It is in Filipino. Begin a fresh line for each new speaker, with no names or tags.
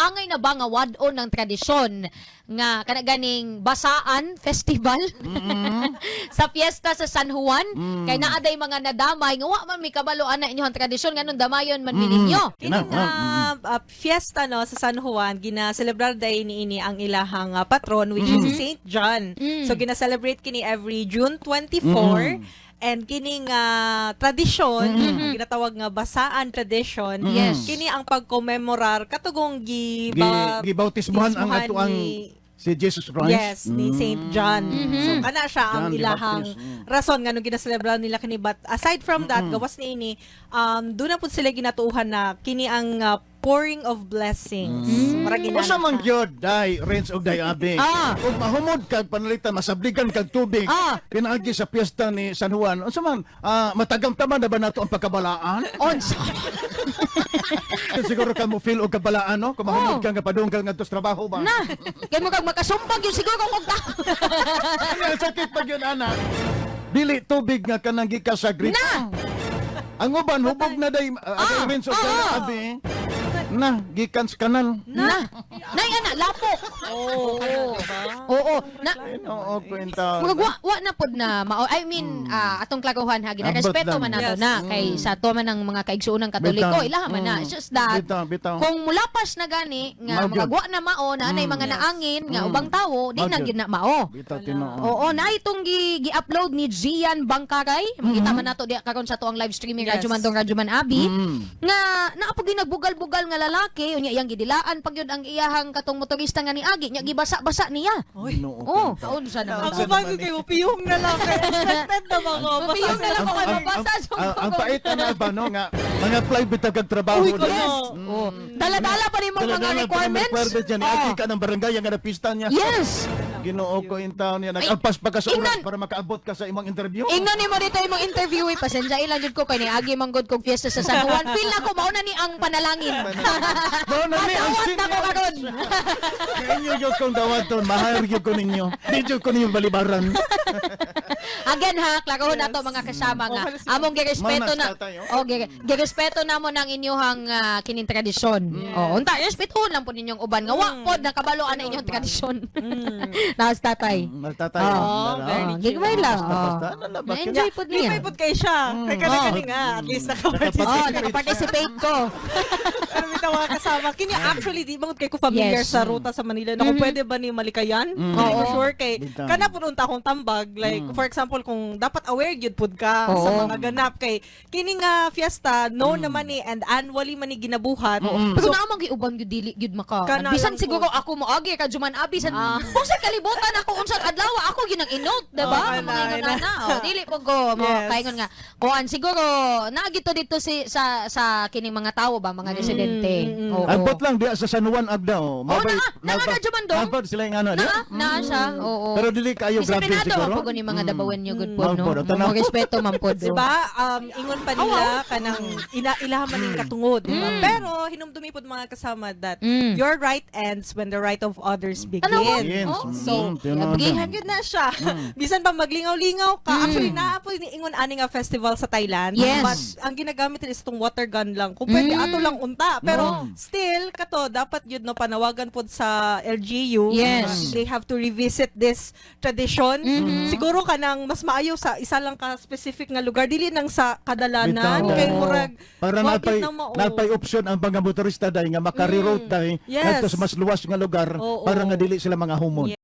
angay na ba nga wadon ng tradisyon nga kanaganing basaan festival sa fiesta sa San Juan kay naaday mga nadamay nga wa man mi kabalo ana inyong tradisyon nganong damayon man mininyo.
Kining fiesta no sa San Juan gina-celebrar day niini ang ilahang patron which is si Saint John. So gina-celebrate kini every June 24. And kining tradisyon, ginatawag nga basaan tradition, kini ang pagkommemorar katugong
gibautismuhan ang atuang si Jesus Christ.
Yes, ni Saint John. So kana siya ang
John
ilahang rason nga nung ginaselebrar nila kini, but aside from that, gawas niini doon na pud sila ginatuuhan na kini ang pouring of blessings.
Usa man gyud dai rains og dai abi. Ug mahumod kag panalitan masabligan kag tubig. Pinaagi sa piyesta ni San Juan. Unsa man matagamtaman na ba nato ang pagkabalaan?
Onsa.
Siguro ka mo feel og kabalaan no? Kung mahumod ka nga padunggal ngadto sa trabaho ba?
Na, kay mo kag makasumpag yun siguro kung ta.
Ang sakit pag yun ana. Dili tubig nga kanang gikas sa Greek.
Na.
Ang uban hubog na day rains og dai abi. Na, gikan sa kanal.
Na. Nay ana lapo. Oo. Na.
Oo, kwenta.
Wa na pod na I mean atong klaguhan ha ginarespeto man nato na kay sa to man ng mga kaigsuonang Katoliko ilaha man na. It's just that
Bitaw.
kung mulapas na gani nga magagwa na mao na anay mga naangin nga ubang tawo di na gyud na mao.
Bitaw tinoo.
Oo, na itong gi-upload ni Gian Bangkaray. Makita man nato di karon sa tuang live streaming Radyo Man Abi nga naapog nagbugal-bugal nga lalaki unya iyang gidilaan pag yun ang iyahang katong motorista nga niagi nya gibasa-basa niya. Oh, kaon sa naman.
Ako ba kayo piyong na lang kay expected na mga
Piyong na lang ko kay mabasa.
Ang pait na ba no nga mga fly bitag kag trabaho.
Dala-dala pa rin mga requirements.
Agi ka ng barangay nga napista niya.
Yes.
Ginoo ko in town niya. Nag-alpas pa ka sa oras para makaabot ka sa imong interview.
Ingnan nimo dito imong interview pasensya ilang jud ko kay ni agi manggod kog fiesta sa San Juan. Feel na ko mao na ni ang panalangin.
Mao na ni ang
Dawat na ko karon.
Inyo jud kong dawaton, mahal jud ko ninyo. Di jud ko ninyo balibaran.
Again ha, klakahon nato mga kasama nga. Among girespeto na. Girespeto namo nang inyong kining tradisyon. Unta respetohon lang po ninyong uban nga wa pod nakabaloan na inyong tradisyon. Naas tatay.
Magtatay.
very
Gigway lang.
Enjoy.
Enjoy pod
Di
niya.
pa kay siya. Kay kani nga at least
Nakaparticipate ko.
Ano bitaw mga kasama? Kini actually di bangod kay ko familiar sa ruta sa Manila na kung pwede ba ni malikayan? Hindi ko sure kay kana pud unta akong tambag like for example kung dapat aware gyud pud ka sa mga ganap kay kini nga fiesta no naman ni and annually man ni ginabuhat.
Pero naamang giuban gyud dili gyud maka. Bisan siguro ako moagi ka Juman Abi san. Kung sa kalibutan ako unsang adlaw ako ginang inote, diba? Mga ingon na. Dili po ko mo kaingon nga. Kuan siguro naagito dito sa kining mga tawo ba mga residente.
Agbot lang diya sa San Juan Agdao.
Na Juman dong.
Mabay sila yung ano.
Na siya. Oo.
Pero dili kayo grabe siguro.
Disiplinado ni mga dabawen nyo good po no. Mo respeto man po.
Diba? Ingon pa nila kanang ilaha man ning katungod, diba? Pero hinumdumi pod mga kasama that your right ends when the right of others begin. So, pagihan yun na siya. Bisan pa maglingaw-lingaw ka. Actually, naapoy ni ingon ani nga festival sa Thailand.
Yes.
But ang ginagamit nila is itong water gun lang. Kung pwede, ato lang unta. Pero still, kato, dapat yun no, panawagan po sa LGU.
Yes.
They have to revisit this tradition. Siguro ka nang mas maayo sa isa lang ka specific nga lugar. Dili nang sa kadalanan. Kay murag,
para napay option ang mga motorista dahil nga makareroute dahil sa mas luwas nga lugar para nga dili sila mga humod.